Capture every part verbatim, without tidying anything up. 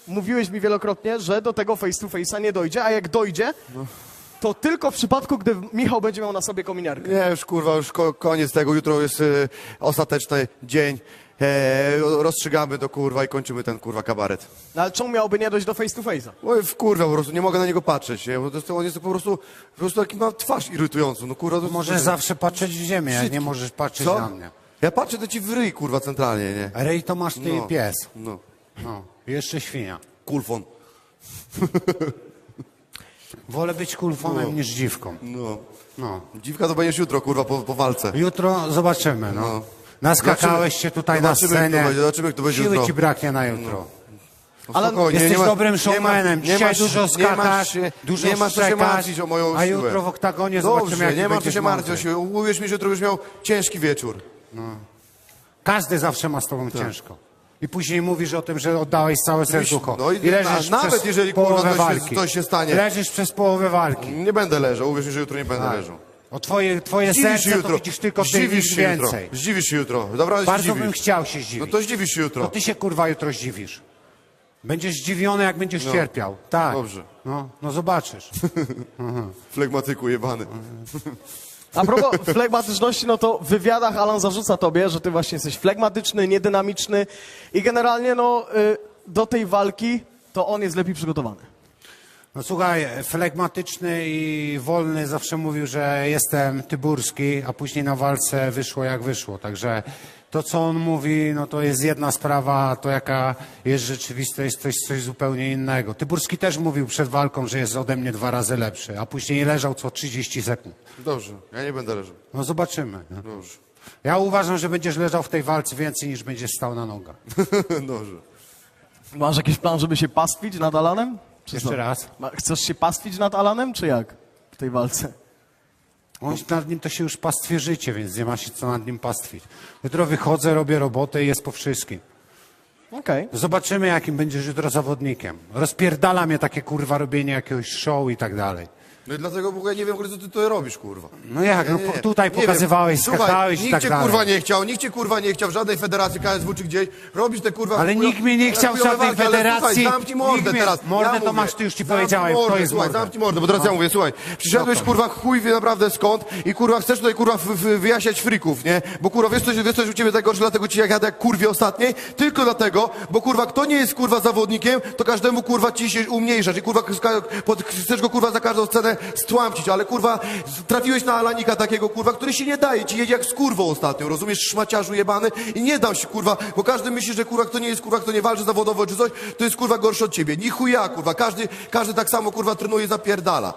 mówiłeś mi wielokrotnie, że do tego face to face'a nie dojdzie, a jak dojdzie, no. to tylko w przypadku, gdy Michał będzie miał na sobie kominiarkę. Nie, już kurwa, już ko koniec tego. Jutro jest y, ostateczny dzień. E, rozstrzygamy to kurwa i kończymy ten kurwa kabaret. No, ale czemu miałoby nie dojść do face to face'a? Oj, w kurwa po prostu, nie mogę na niego patrzeć, nie? Bo to jest, on jest po prostu, po prostu taki ma twarz irytującą, no kurwa. To, Możesz to, zawsze patrzeć w ziemię, a nie możesz patrzeć Co? na mnie. Ja patrzę to ci w ryj, kurwa, centralnie, nie? Rej to masz ty No. i pies. No. No. Jeszcze świnia. Kulfon. Wolę być kulfonem No. niż dziwką. No. No. Dziwka to będziesz jutro, kurwa, po, po walce. Jutro zobaczymy, no. No. Naskakałeś się tutaj na Zobaczymy, jak to scenie. będzie, zobaczymy, jak to będzie Siły jutro. ci braknie na jutro. No, Ale spokojnie, Jesteś nie ma- dobrym nie ma- showmanem. nie Dzisiaj masz- dużo nie skakasz, masz się- dużo Nie masz co się szczekasz, martwić o moją a siłę. jutro w oktagonie zobaczymy, Dobrze, jaki nie ma co będziesz się martwić o mądry. siłę. Uwierz mi, że jutro będziesz miał ciężki wieczór. Każdy zawsze ma z tobą Tak. ciężko. I później mówisz o tym, że oddałeś całe serducho. no i I leżysz na- nawet przez jeżeli, kurwa, połowę coś się- walki. coś się stanie. Leżysz przez połowę walki. Nie będę leżał, uwierz mi, że jutro nie będę Tak. leżał. O twoje, twoje Zdziwisz się serce to jutro. widzisz tylko ty, Zdziwisz nic się jutro. więcej. Zdziwisz się jutro. Dobra, Bardzo zdziwisz. bym chciał się No zdziwić. to zdziwisz się To jutro. ty się kurwa jutro zdziwisz. Będziesz zdziwiony, jak będziesz No. cierpiał. Tak. Dobrze. No, no zobaczysz. Flegmatyku jebany. A propos flegmatyczności, no to w wywiadach Alan zarzuca tobie, że ty właśnie jesteś flegmatyczny, niedynamiczny i generalnie no y, do tej walki to on jest lepiej przygotowany. No słuchaj, flegmatyczny i wolny zawsze mówił, że jestem tyburski, a później na walce wyszło jak wyszło. Także to, co on mówi, no to jest jedna sprawa, a to jaka jest rzeczywistość, to jest coś zupełnie innego. Tyburski też mówił przed walką, że jest ode mnie dwa razy lepszy, a później leżał co trzydzieści sekund. Dobrze, ja nie będę leżał. No zobaczymy. No. Dobrze. Ja uważam, że będziesz leżał w tej walce więcej niż będziesz stał na nogach. Dobrze. Masz jakiś plan, żeby się pastwić nad Alanem? Czy Jeszcze co? raz. Ma- Chcesz się pastwić nad Alanem, czy jak w tej walce? On nad nim to się już pastwie życie, więc nie ma się co nad nim pastwić. Jutro wychodzę, robię robotę i jest po wszystkim. Okej. Zobaczymy, jakim będziesz jutro zawodnikiem. Rozpierdala mnie takie kurwa robienie jakiegoś show i tak dalej. No i dlatego w ogóle nie wiem, co ty to robisz, kurwa. No jak, no Nie, nie, po, tutaj nie pokazywałeś, wiem. Słuchaj, skakałeś i nikt tak cię dalej. kurwa nie chciał, nikt cię kurwa nie chciał w żadnej federacji K S W czy gdzieś. Robisz te kurwa... Ale chujo- nikt mnie nie chciał w chujowe żadnej walki, ale federacji. Słuchaj, zamknij mordę Nikt mnie- teraz. mordę ja to mówię. masz, ty już ci Zamknij powiedziałem, mordę, kto jest słuchaj, mordą. zamknij mordę, bo teraz ja mówię, słuchaj, przyszedłeś kurwa chuj wie naprawdę skąd i kurwa chcesz tutaj kurwa w, w, wyjaśniać frików, nie? Bo kurwa wiesz coś, wiesz coś u ciebie tego, że dlatego ci jak jadę jak kurwie ostatniej, tylko dlatego, bo kurwa kto nie jest kurwa zawodnikiem, to każdemu kurwa ci się umniejszasz i kurwa ska- pod, chcesz go kurwa za każdą cenę stłamcić, ale kurwa trafiłeś na Alanika takiego kurwa, który się nie daje, ci jedzie jak z kurwą ostatnio, rozumiesz, szmaciarzu jebany i nie dał się kurwa, bo każdy myśli, że kurwa kto nie jest kurwa, kto nie walczy zawodowo czy coś, to jest kurwa gorszy od ciebie, ni chuja kurwa, każdy, każdy tak samo kurwa trenuje i zapierdala.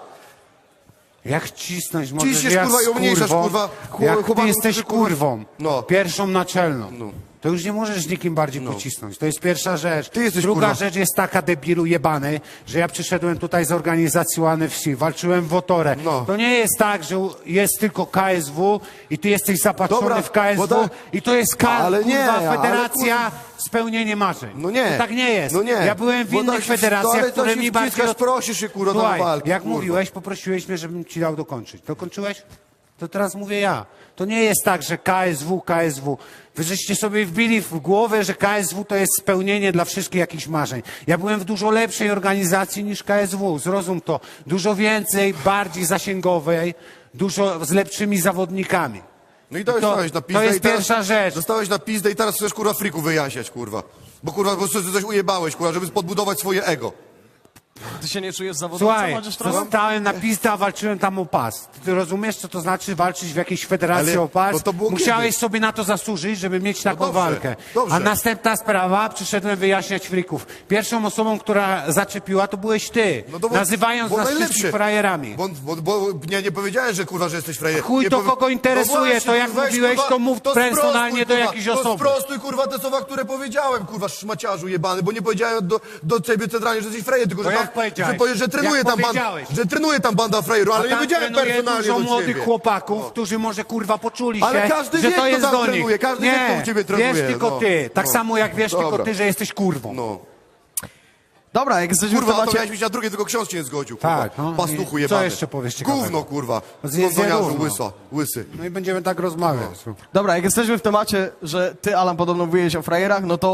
Jak cisnąć możesz Ciśniesz, jak kurwa, i z umniejszasz, kurwą, kurwa, chł- jak ty chłopaków, jesteś którzy, kurwa- kurwą, No. pierwszą naczelną, No. to już nie możesz nikim bardziej pocisnąć. To jest pierwsza rzecz. Ty jesteś, Druga kurwa. rzecz jest taka, debilu jebany, że ja przyszedłem tutaj z organizacji Łany Wsi, walczyłem w Otorę. No. To nie jest tak, że jest tylko K S W i ty jesteś zapatrzony Dobra, w K S W bo tak- i to jest K, Ale nie, kurwa, ale federacja spełnienie marzeń. No nie. To tak nie jest. No nie. Ja byłem w Bo innych tak się- federacjach, ale to które się mi bardziej... wciskasz, prosisz się, kurwa, do Słuchaj, walki, jak kurwa. mówiłeś, poprosiłeś mnie, żebym ci dał dokończyć. Dokończyłeś? To teraz mówię ja. To nie jest tak, że K S W, K S W. Wy żeście sobie wbili w głowę, że K S W to jest spełnienie dla wszystkich jakichś marzeń. Ja byłem w dużo lepszej organizacji niż K S W. Zrozum to. Dużo więcej, bardziej zasięgowej, dużo z lepszymi zawodnikami. No i to, To- dostałeś na to pizdę jest i teraz, pierwsza rzecz. Dostałeś na pizdę i teraz chcesz kurwa friku wyjaśniać, kurwa. Bo kurwa, bo coś, coś ujebałeś, kurwa, żeby podbudować swoje ego. Ty się nie czujesz zawodowcem, Słuchaj, chociaż trochę? zostałem na pizdę, a walczyłem tam o pas. Ty, ty rozumiesz, co to znaczy walczyć w jakiejś federacji Ale- o pas? bo to było Musiałeś kiedyś. sobie na to zasłużyć, żeby mieć taką dobrze, walkę. dobrze. A następna sprawa, przyszedłem wyjaśniać frików. Pierwszą osobą, która zaczepiła, to byłeś ty. No to bo- nazywając bo nas najlepszy. wszystkich frajerami. Bo, bo, bo nie, nie powiedziałeś, że kurwa, że jesteś frajer. Chuj nie to powie- kogo interesuje, właśnie, to jak weź, mówiłeś, kurwa, to mów personalnie do kurwa, jakiejś to osoby. sprostuj kurwa te słowa, które powiedziałem, kurwa, szmaciarzu jebany, bo nie powiedziałem do, do ciebie centralnie, że jesteś frajer, tylko To że, jak tam, powiedziałeś? że, powiesz, że trenuje Jak tam banda, powiedziałeś? że trenuje tam banda frajerów, ale A nie tam powiedziałem trenuje personalnie dużo do młodych ciebie. chłopaków, którzy może kurwa poczuli Ale się, każdy że wie, to kto jest tam do nich. trenuje, każdy wie, nie, kto u ciebie trenuje, wiesz tylko no. ty. Tak No. samo jak wiesz Dobra. tylko ty, że jesteś kurwą. No. Dobra, jak jesteśmy Kurwa, w to temacie... miałeś być na drugie, tylko ksiądz się nie zgodził, kurwa. Tak, no. Pastuchu I jebany. co jeszcze powiesz ciekawego? Gówno, kurwa. Zjedz Gówniarzu, gówno. łysa, łysy. No i będziemy tak rozmawiać. Dobra, jak jesteśmy w temacie, że ty, Alan, podobno mówiłeś o frajerach, no to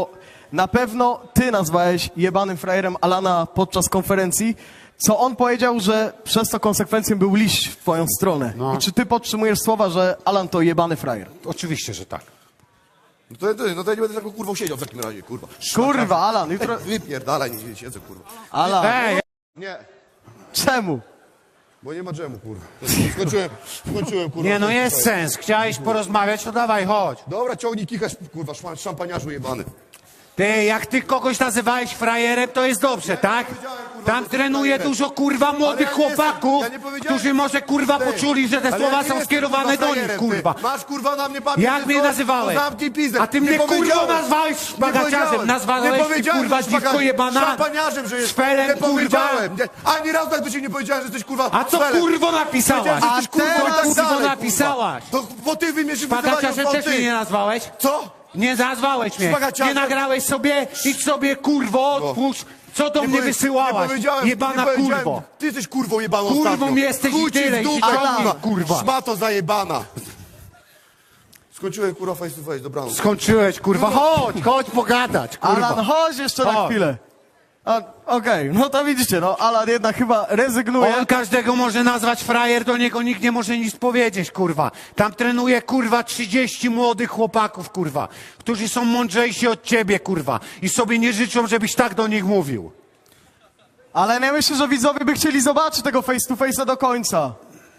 na pewno ty nazwałeś jebanym frajerem Alana podczas konferencji, co on powiedział, że przez to konsekwencją był liść w twoją stronę. No. I czy ty podtrzymujesz słowa, że Alan to jebany frajer? Oczywiście, że tak. No to, to, no to ja nie będę taką kurwą siedział w takim razie, kurwa. Kurwa, Alan, jutro... Wypierdalaj, nie, nie siedzę, kurwa. Alan, Ej, Nie, czemu? bo nie ma dżemu, kurwa. Skończyłem, skończyłem, kurwa. nie no jest sens. Chciałeś porozmawiać, to dawaj, chodź. Dobra, ciągnij kichasz, kurwa, szma- szampaniarzu jebany. Ty, jak ty kogoś nazywałeś frajerem, to jest dobrze, tak? powiedziałem, kurwa, Tam że trenuje frajerem. dużo, kurwa, młodych Ale ja nie jestem- chłopaków, ja nie powiedziałem- którzy może, kurwa, Ty, poczuli, że te ale słowa ja nie są jestem, skierowane kurwa, do nich, frajerem, kurwa. ty. Masz, kurwa, na mnie papier. Jak mnie nazywałeś? To zamknij pizdę. A ty Nie mnie, kurwa, powiedziałem. nazwałeś Nie szpagaciarzem, powiedziałem. nazwałeś Nie ty, powiedziałem, kurwa, że dziwko szpaga- jebana. Szampaniarzem, że jest. Szpelem, Nie kurwa. powiedziałem. Nie. Ani razu tak do ciebie nie powiedziałem, że jesteś, kurwa, A co, szpelem. kurwo, napisałaś? Powiedziałem, że jesteś, kurwa, A i tak teraz, dalej, kurwo, kurwa. napisałaś? To bo ty wymierzysz Szpagaciarzem też mnie nie nazwałeś? Co? Nie nazwałeś mnie. Szpagaciarzem? Nie nagrałeś sobie, idź sobie, kurwo, odpuść. Co do Nie mnie powie- wysyłałaś? Nie powiedziałem, Jebana nie powiedziałem. kurwo. Ty jesteś kurwą jebaną Kurwą ostatnio. jesteś i Chuj ci w tyle, i dupę, się ciągnij, kurwa. kurwa. Szmato zajebana. Skończyłem, kurwa, face to face, dobranoc. Skończyłeś, kurwa. Chodź, chodź pogadać, kurwa. Alan, chodź jeszcze na Chodź. chwilę. A, Okej, no to widzicie, no Alan jednak chyba rezygnuje. On każdego może nazwać frajer, do niego nikt nie może nic powiedzieć, kurwa. Tam trenuje, kurwa, trzydzieści młodych chłopaków, kurwa, którzy są mądrzejsi od ciebie, kurwa. I sobie nie życzą, żebyś tak do nich mówił. Ale ja myślę, że widzowie by chcieli zobaczyć tego face to face'a do końca.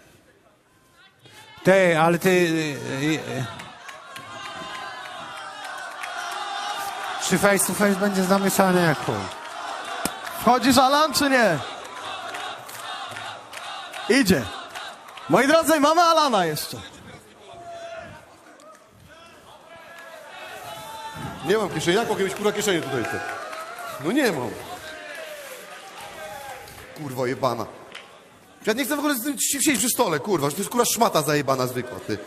Ty, ale ty... y, y, y. Czy face to face będzie zamykany jak chuj? Wchodzisz, Alan, czy nie? Idzie. Moi drodzy, mamy Alana jeszcze. Nie mam kieszeni. Jak mogę mieć, kurwa, kieszenie tutaj? Ty? No nie mam. Kurwa jebana. Ja nie chcę w ogóle z tym siedzieć przy stole, kurwa. Że to jest, kurwa, szmata zajebana zwykła, ty.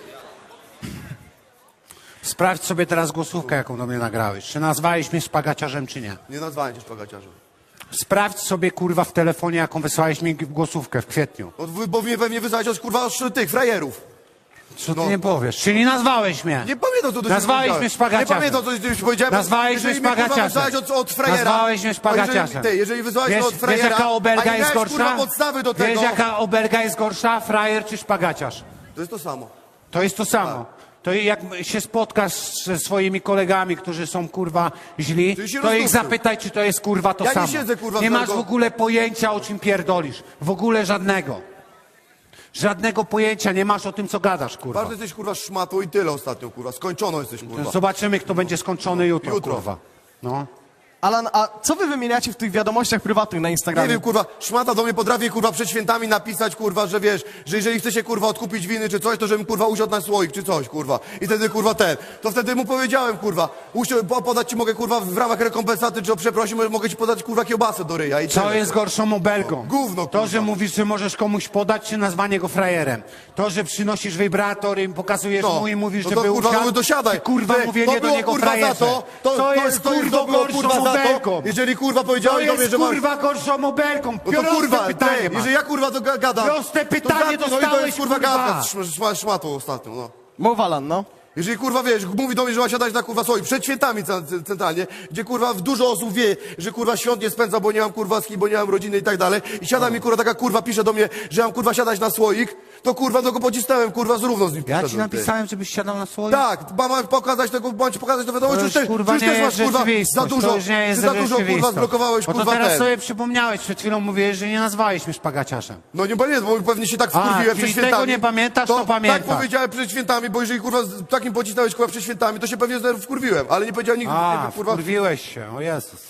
Sprawdź sobie teraz głosówkę, jaką do mnie nagrałeś. Czy nazwałeś mnie szpagaciarzem, czy nie? Nie nazwałem cię szpagaciarzem. Sprawdź sobie, kurwa, w telefonie, jaką wysłałeś mi głosówkę w kwietniu. No, wy- bo mnie pewnie wyzwać od, kurwa, od tych frajerów. Co ty No. nie powiesz? Czyli nazwałeś mnie. Nie pamiętam, co do Nazwałeś ciebie mnie powiedziałem. szpagaciarzem. Nie pamiętam, co do ciebie powiedziałem. Nazwałeś Jeżeli mnie mnie, kurwa, szpagaciarzem. wyzwałeś od, od frajera. Nazwałeś mnie a szpagaciarzem. Jeżeli, ty, jeżeli wyzwałeś Wiesz, od frajera. wiesz, jaka obelga a nie jest miałeś, gorsza? kurwa, podstawy do tego. Wiesz, jaka obelga jest gorsza? Frajer czy szpagaciarz? To jest to samo. To jest to samo. To jak się spotkasz ze swoimi kolegami, którzy są, kurwa, źli, Czyli się to ich rozdupił. zapytaj, czy to jest, kurwa, to Ja nie samo. siedzę, kurwa, Nie w masz w tego- ogóle pojęcia, o czym pierdolisz. W ogóle żadnego. Żadnego pojęcia nie masz o tym, co gadasz, kurwa. Bardzo jesteś, kurwa, szmatą i tyle ostatnio, kurwa. Skończono jesteś, kurwa. Zobaczymy, kto będzie skończony jutro, Jutro. kurwa. No. Alan, a co wy wymieniacie w tych wiadomościach prywatnych na Nie Instagramie? wiem, kurwa, szmata do mnie potrafi, kurwa, przed świętami napisać, kurwa, że wiesz, że jeżeli chce się, kurwa, odkupić winy czy coś, to żebym, kurwa, usiadł na słoik czy coś, kurwa. I wtedy, kurwa, ten. To wtedy mu powiedziałem, kurwa, usiądź, po- podać ci mogę, kurwa, w ramach rekompensaty, czy o przeprosin, mogę ci podać, kurwa, kiełbasę do ryja i Co tyle. jest gorszą obelgą? Gówno, To, kurwa. że mówisz, że możesz komuś podać, czy nazwanie go frajerem. To, że przynosisz wibrator i pokazujesz No. mu i mówisz, No że to, był kurwa, usiadł, no to siadaj. czy, kurwa, Ty, mówienie to do było, niego kurwa, frajerze. za to, to, to jest, to kurwa, było, gorszą kurwa, za to, obelgą. jeżeli, kurwa, To powiedziałeś do mnie, jest, że masz... kurwa, gorszą obelgą. No to, Proste kurwa, pytanie ty, masz. jeżeli ja, kurwa, to ga- gadam... Proste pytanie to, za- no i to dostałeś, jest, kurwa, kurwa. gadka z szm- szm- szmatą ostatnio, no. Mów, Alan, no. Jeżeli, kurwa, wiesz, mówi do mnie, że ma siadać na, kurwa, soi, przed świętami ce- ce- centralnie, gdzie, kurwa, dużo osób wie, że, kurwa, świąt nie spędza, bo nie mam, kurwa, z kim, bo nie mam rodziny i tak dalej, i siada mi, kurwa, taka, kurwa, pisze do mnie, że mam, kurwa, siadać na słoik, to, kurwa, to go pocisnąłem, kurwa, zrówno z nim Ja ci poszedłem, ty. napisałem, żebyś siadał na swoim. Tak, mam pokazać tego, bądź pokazać to wiadomo, To czy już, też, kurwa, czy nie też jest masz, kurwa, za rzeczywistość. dużo, To już nie jest czy za dużo, kurwa, rzeczywistość. zblokowałeś, Bo to kurwa, teraz ten. sobie przypomniałeś, przed chwilą mówiłeś, że nie nazwałeś mnie szpagaciarzem. No nie pamiętam, bo pewnie się tak A, wkurwiłem czyli przed tego świętami. nie pamiętasz, to pamiętasz. Tak powiedziałem przed świętami, bo jeżeli, kurwa, z takim pocisnąłeś, kurwa, przed świętami, to się pewnie znowu wkurwiłem, ale nie powiedziałem nigdy, A, nie, kurwa. wkurwiłeś się, o Jezus.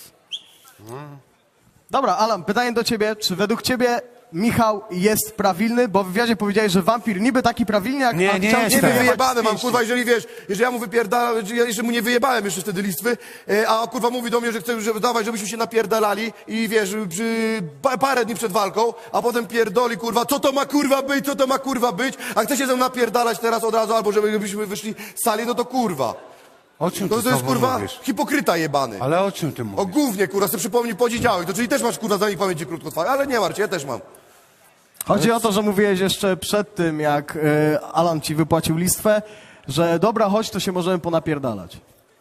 Dobra, Alan, pytanie do ciebie. Czy według ciebie Michał jest prawilny? Bo w wywiadzie powiedziałeś, że wampir niby taki prawilny, jak Nie, a nie chciał jest cię Nie tak. wiem, wyjebać wyjebane z mam, pięści. kurwa, jeżeli wiesz, jeżeli ja mu wypierdalałem, ja jeszcze mu nie wyjebałem jeszcze wtedy listwy, e, a kurwa mówi do mnie, że chce, żeby dawać, żebyśmy się napierdalali i wiesz, przy, pa, parę dni przed walką, a potem pierdoli, kurwa, co to ma kurwa być, co to ma kurwa być, a chce się ze mną napierdalać teraz od razu, albo żebyśmy wyszli z sali, no to kurwa. O czym To, ty to jest, znowu kurwa, mówisz? hipokryta jebany. Ale o czym ty O mówisz? głównie, kurwa, sobie przypomnij poniedziałek, to czyli też masz, kurwa, za nich pamięci krótkotrwałe, ale nie martw się, ja też mam. Chodzi o to, że mówiłeś jeszcze przed tym, jak e, Alan ci wypłacił listwę, że dobra, chodź, to się możemy ponapierdalać.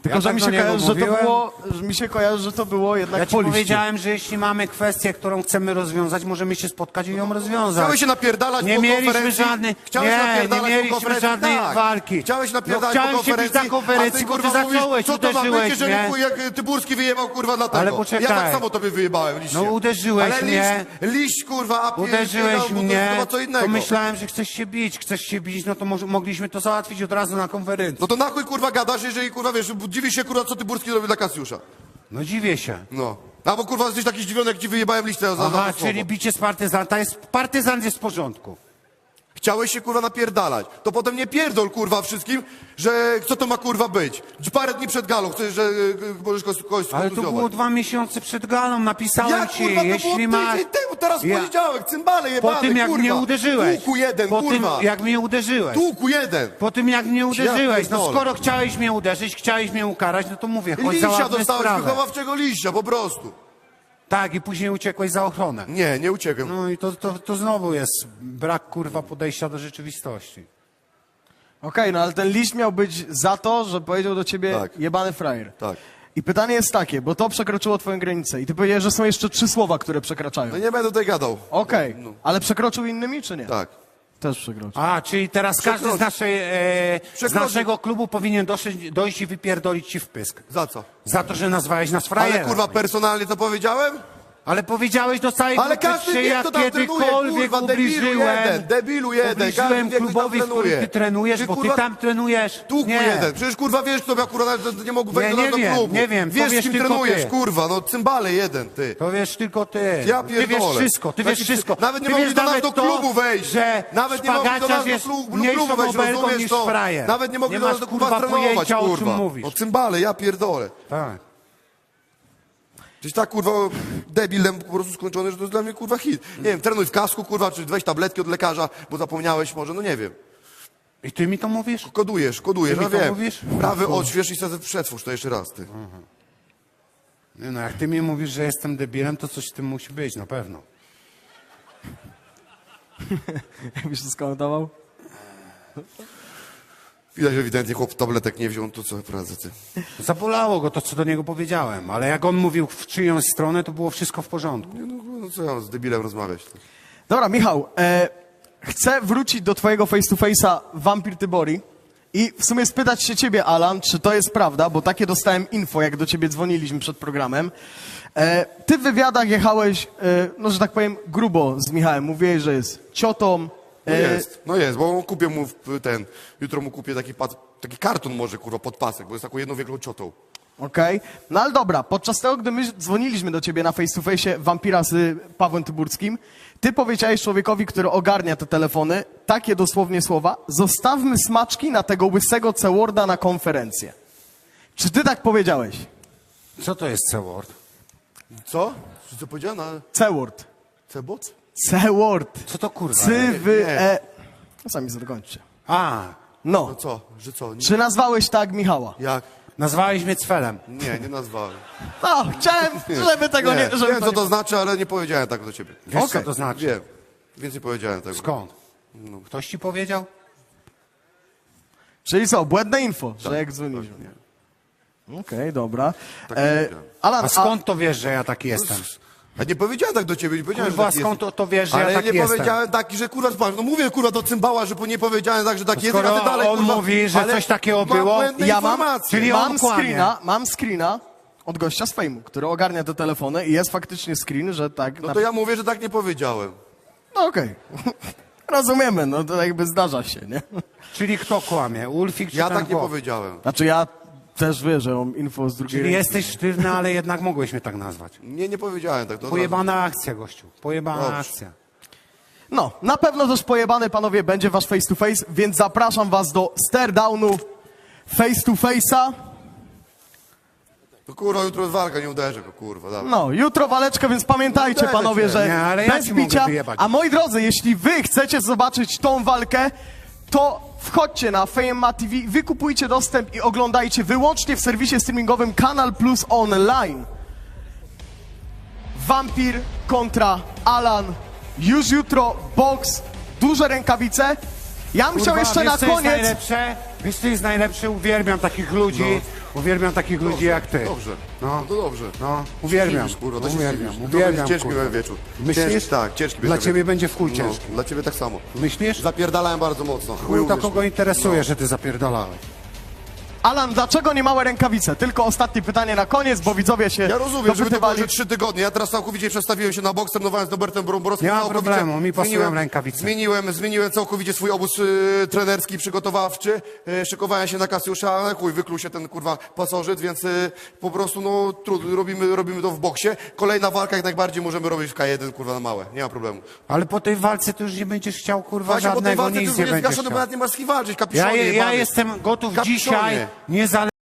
Tylko, Ja że tak mi do się niego kojarzy, że to mówiłem. było, że mi się kojarzy, że to było jednak Ja ci po liście. powiedziałem, że jeśli mamy kwestię, którą chcemy rozwiązać, możemy się spotkać i ją rozwiązać. Chciałeś się napierdalać Nie po mieliśmy konferencji? żadnej, Chciałeś nie, napierdalać nie po mieliśmy konferencji? żadnej Tak. walki. Chciałeś no, napierdalać chciałem po się bić konferencji, na konferencji, a ty, bo ty kurwa, mówisz, zacząłeś, co to ma uderzyłeś być, że mnie. chuj, jak Tyburski wyjebał, kurwa, dlatego. Ale poczekaj. Ja tak samo tobie wyjebałem liście. No, uderzyłeś Ale mnie. liść, liść, kurwa, a pier- Uderzyłeś pierdał, bo to mnie, jest chyba co innego. to myślałem, że chcesz się bić, chcesz się bić, no to może, mogliśmy to załatwić od razu na konferencji. No to na chuj, kurwa, gadasz, jeżeli, kurwa, wiesz, dziwisz się, kurwa, co Tyburski robi dla Kasiusza. No dziwię się. No. A bo, kurwa, jesteś taki zdziwiony, jak ci wyjebałem listę za, za Aha, to czyli słowo. bicie z partyzanta jest, partyzant jest w porządku. Chciałeś się, kurwa, napierdalać. To potem nie pierdol, kurwa, wszystkim, że co to ma, kurwa, być. Parę dni przed galą chcesz, że y, możesz kogoś, kogoś Ale to skontuzjować. było dwa miesiące przed galą, napisałem Jak, ci, kurwa, to jeśli było masz... tydzień temu, teraz Ja- poniedziałek, cymbale jebane, Po tym, jak kurwa. mnie uderzyłeś. Tłuku jeden, po kurwa. tym, jak mnie uderzyłeś. Tłuku jeden. Po tym, jak mnie uderzyłeś. No pierdolę. skoro chciałeś mnie uderzyć, chciałeś mnie ukarać, no to mówię, chodź Liścia załatwmy dostałeś, sprawę. wychowawczego liścia, po prostu. Tak, i później uciekłeś za ochronę. Nie, nie uciekłem. No i to, to, to znowu jest brak, kurwa, podejścia do rzeczywistości. Okej, no ale ten liść miał być za to, że powiedział do ciebie Tak. jebany frajer. Tak. I pytanie jest takie, bo to przekroczyło twoją granicę i ty powiedziałeś, że są jeszcze trzy słowa, które przekraczają. No nie będę tutaj gadał. Okej, No. ale przekroczył innymi, czy nie? Tak. Też przekroczył. A, czyli teraz każdy z, Przekroczy- naszej, e, z Przekroczy- naszego klubu powinien dosyć, dojść i wypierdolić ci w pysk. Za co? Za to, że nazwałeś nas frajerem. Ale, kurwa, personalnie to powiedziałem? Ale powiedziałeś do całej Ale grupy, każdy czy wie, ja kto tam trenuje, kiedykolwiek kurwa, debilu ubliżyłem, jeden, debilu jeden, każdy ubliżyłem wie, kto tam klubowi, w którym trenuje. ty trenujesz, Ty, bo ty kurwa, tam trenujesz. Tłuku Nie. jeden. Przecież, kurwa, wiesz, kto akurat nawet nie mógł wejść Nie, do nie naszego wiem, klubu. nie wiem, to Wiesz, wiesz z kim tylko trenujesz, ty. kurwa, no cymbale jeden, ty. To wiesz tylko ty. Ja Ty wiesz pierdolę. wszystko, ty wiesz Taki- wszystko. Nawet nie ty mogli wiesz do nas nawet do to, klubu wejść. Że Nawet nie mogli do nas szpagaciarz do jest klubu, mniejszą klubu wejść, obelgą rozumiesz niż to? frajer. Nawet nie mogli nie do masz, nas do kurwa, kurwa trenować, pojęcia, o czym kurwa. mówisz. No cymbale, ja pierdolę. Tak. Jesteś tak, kurwa, debilem po prostu skończony, że to jest dla mnie, kurwa, hit. Nie wiem, trenuj w kasku, kurwa, czy weź tabletki od lekarza, bo zapomniałeś może, no nie wiem. I ty mi to mówisz? Kodujesz, kodujesz, Ty no mi to wiem. mówisz? Prawy odśwież i sobie przetwórz to jeszcze raz, ty. Nie no, jak ty mi mówisz, że jestem debilem, to coś w tym musi być, na pewno. Jakbyś to skomentował? Widać, że ewidentnie chłop tabletek nie wziął, to co pracę, ty. Zabolało go to, co do niego powiedziałem, ale jak on mówił w czyjąś stronę, to było wszystko w porządku. Nie, no, no co ja mam z debilem rozmawiać? Ty. Dobra, Michał, e, chcę wrócić do twojego face to face'a Wampir Tybori i w sumie spytać się ciebie, Alan, czy to jest prawda, bo takie dostałem info, jak do ciebie dzwoniliśmy przed programem. E, ty w wywiadach jechałeś, e, no że tak powiem, grubo z Michałem. Mówiłeś, że jest ciotą. No e, jest, no jest, bo kupię mu w- ten, jutro mu kupię taki, pas, taki karton może, kurwa, pod pasek, bo jest taką jedną wielką ciotą. Okej, no ale dobra, podczas tego, gdy my dzwoniliśmy do ciebie na face to face Wampira z Pawłem Tyburskim, ty powiedziałeś człowiekowi, który ogarnia te telefony, takie dosłownie słowa: zostawmy smaczki na tego łysego C-Worda na konferencję. Czy ty tak powiedziałeś? Co to jest C-word? Co? Czy co powiedziałem na C-Word. cebot? C-Word. Co to kurwa? Cy, wy, nie. e... No sami zakończcie. A, No No. co? Że co? Nie, Czy nazwałeś tak Michała? jak? nazwałeś mnie cfelem. Nie, nie nazwałem. No, chciałem, żeby tego nie... żeby Wiem, to co nie... to znaczy, ale nie powiedziałem tak do ciebie. Wiesz, Okej. co to znaczy? Wiem, więc nie powiedziałem tego. Skąd? Ktoś ci powiedział? Czyli co, błędne info, że jak dzwoniliśmy. Okej, dobra. Tak E, nie wiedziałem. Alan, A skąd to wiesz, że ja taki jestem? A nie powiedziałem tak do ciebie, nie powiedziałem, Kurwa, że taki skąd jest. to, to wiesz, że Ale ja taki nie jestem? powiedziałem taki, że kurwa, spam. No mówię kurwa do cymbała, że po- nie powiedziałem tak, że taki jest, skoro a ty dalej on kurwa, mówi, że ale coś takiego mam było, błędne ja mam, informacje. czyli on mam kłamie. screena, mam screena od gościa z fejmu, który ogarnia te telefony i jest faktycznie screen, że tak... No na- to ja mówię, że tak nie powiedziałem. No okej. Rozumiemy, no to jakby zdarza się, nie? Czyli kto kłamie? Ulfik czy Ja ten tak nie chłop? powiedziałem. Znaczy ja też wiem, że mam info z drugiej Czyli ręki. jesteś sztywny, ale jednak mogłeś mnie tak nazwać. Nie, nie powiedziałem tak. To Pojebana akcja, gościu. Pojebana Dobrze. akcja. No, na pewno też pojebany, panowie, będzie wasz face to face, więc zapraszam was do stare-downu face to face'a. To kurwa, jutro jest walka, nie uderzę go, kurwa. Dawaj. No, jutro waleczka, więc pamiętajcie, Uderzę panowie, cię. że Nie, ale ja bez ci mogę bicia. wyjebać. A moi drodzy, jeśli wy chcecie zobaczyć tą walkę, to wchodźcie na F A M A T V, wykupujcie dostęp i oglądajcie wyłącznie w serwisie streamingowym Kanal Plus Online. Wampir kontra Alan. Już jutro boks, duże rękawice. Ja bym chciał Kurwa, jeszcze wiesz, na co jest koniec... najlepsze? Wiesz, co jest najlepsze? Uwielbiam takich ludzi, Uwielbiam takich ludzi jak ty. Dobrze, No. no to dobrze. No, uwielbiam. Zdziwisz, kurwa, to się uwielbiam, zdziwisz. To uwielbiam, będzie ciężki kurwa. miałem wieczór. Myślisz? Ciężki, tak, ciężki Dla będzie ciebie wieczór. będzie w chuj No, ciężki. dla ciebie tak samo. Myślisz? Zapierdalałem bardzo mocno. Chuj to uwierz kogo mi. interesuje, że ty zapierdalałeś. Alan, dlaczego nie małe rękawice? Tylko ostatnie pytanie na koniec, bo widzowie się Ja rozumiem, żeby to było, dopytywali. że trzy tygodnie. Ja teraz całkowicie przestawiłem się na boks, trenowałem z Robertem Bromborowskim. Nie ma Całkowicie problemu, mi pasują zmieniłem- rękawice. Zmieniłem, zmieniłem całkowicie swój obóz y, trenerski, przygotowawczy. Y, szykowałem się na Kasiusza, ale chuj, wykluł się ten kurwa pasożyt, więc y, po prostu no trudno, robimy, robimy to w boksie. Kolejna walka jak najbardziej możemy robić w K jeden, kurwa, na małe. Nie ma problemu. Ale po tej walce to już nie będziesz chciał, kurwa, Właśnie po tej żadnego, walce ty nic już nie nie będziesz zgaszony, bo chciał. nawet nie masz z kim walczyć, Ja, kapiszonie ja jebany. jestem gotów Kapiszonie. dzisiaj, niezależnie